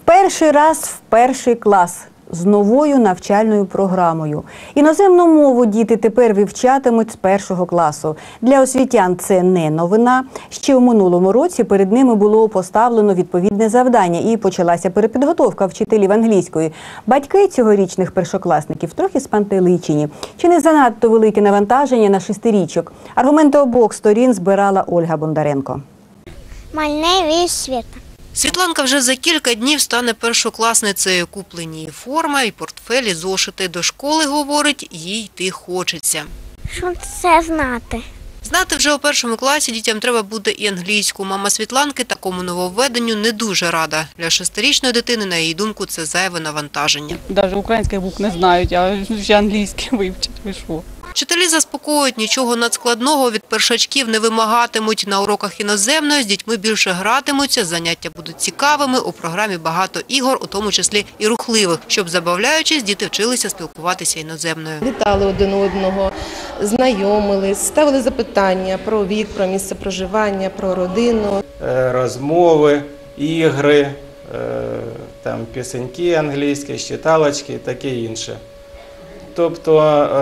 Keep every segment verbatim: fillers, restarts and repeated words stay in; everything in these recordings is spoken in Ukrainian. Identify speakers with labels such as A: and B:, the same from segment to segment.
A: Перший раз в перший клас з новою навчальною програмою. Іноземну мову діти тепер вивчатимуть з першого класу. Для освітян це не новина. Ще у минулому році перед ними було поставлено відповідне завдання і почалася перепідготовка вчителів англійської. Батьки цьогорічних першокласників трохи спантеличені. Чи не занадто велике навантаження на шестирічок? Аргументи обох сторін збирала Ольга Бондаренко.
B: Мальне Світа.
C: Світланка вже за кілька днів стане першокласницею. Куплені їй форма і портфель, і зошити. До школи, говорить, їй йти хочеться.
B: Що це знати?
C: Знати вже у першому класі дітям треба буде і англійську. Мама Світланки такому нововведенню не дуже рада. Для шестирічної дитини, на її думку, це зайве навантаження.
D: Навіть українських букв не знають, а ще англійські вивчать. Ви що?
C: Вчителі заспокоюють, нічого надскладного від першачків не вимагатимуть. На уроках іноземної з дітьми більше гратимуться, заняття будуть цікавими, у програмі багато ігор, у тому числі і рухливих, щоб, забавляючись, діти вчилися спілкуватися іноземною.
E: Вітали один одного, знайомились, ставили запитання про вік, про місце проживання, про родину.
F: Розмови, ігри, там, пісеньки англійські, читалочки і таке інше. Тобто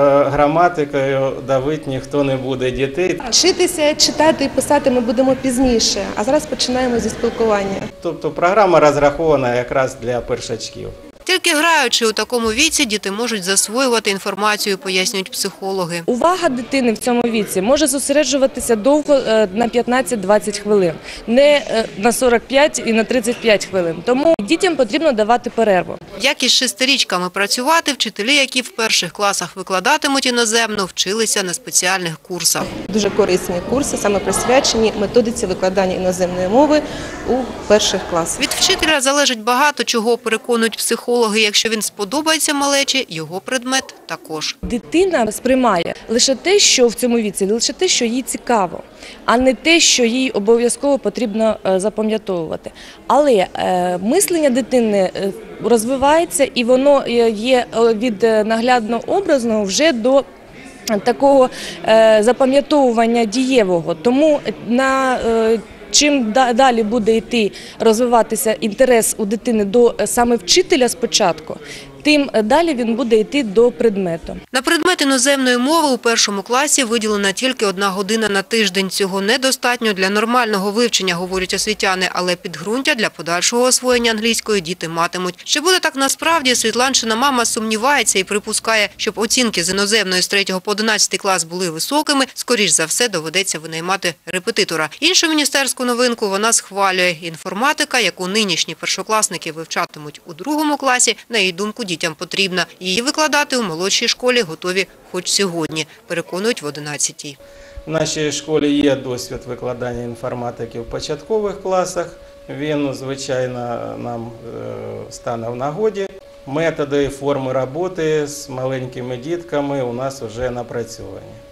F: граматикою давити ніхто не буде дітей.
E: Вчитися, читати і писати ми будемо пізніше, а зараз починаємо зі спілкування.
F: Тобто програма розрахована якраз для першачків.
C: Тільки граючи у такому віці, діти можуть засвоювати інформацію, пояснюють психологи.
G: Увага дитини в цьому віці може зосереджуватися довго, на п'ятнадцять-двадцять хвилин, не на сорок п'ять і на тридцять п'ять хвилин. Тому дітям потрібно давати перерву.
C: Як із шестирічками працювати, вчителі, які в перших класах викладатимуть іноземну, вчилися на спеціальних курсах.
E: Дуже корисні курси, саме присвячені методиці викладання іноземної мови у перших класах.
C: Від вчителя залежить багато чого, переконують психологи. Якщо він сподобається малечі, його предмет також.
G: Дитина сприймає лише те, що в цьому віці, лише те, що їй цікаво, а не те, що їй обов'язково потрібно запам'ятовувати. Але е, мислення дитини розвивається, і воно є від наглядно-образного вже до такого е, запам'ятовування дієвого. Тому на е, чим далі буде йти розвиватися інтерес у дитини до саме вчителя спочатку, тим далі він буде йти до предмету.
C: На предмет іноземної мови у першому класі виділена тільки одна година на тиждень. Цього недостатньо для нормального вивчення, говорять освітяни, але підґрунтя для подальшого освоєння англійської діти матимуть. Чи буде так насправді, Світланчина мама сумнівається і припускає, щоб оцінки з іноземної з третього по одинадцятий клас були високими, скоріш за все доведеться винаймати репетитора. Іншу міністерську новинку вона схвалює. Інформатика, яку нинішні першокласники вивчатимуть у другому класі, на її думку, дітям потрібна. Її викладати у молодшій школі готові хоч сьогодні, переконують в одинадцятій.
F: В нашій школі є досвід викладання інформатики в початкових класах. Він, звичайно, нам стане в нагоді. Методи і форми роботи з маленькими дітками у нас вже напрацьовані.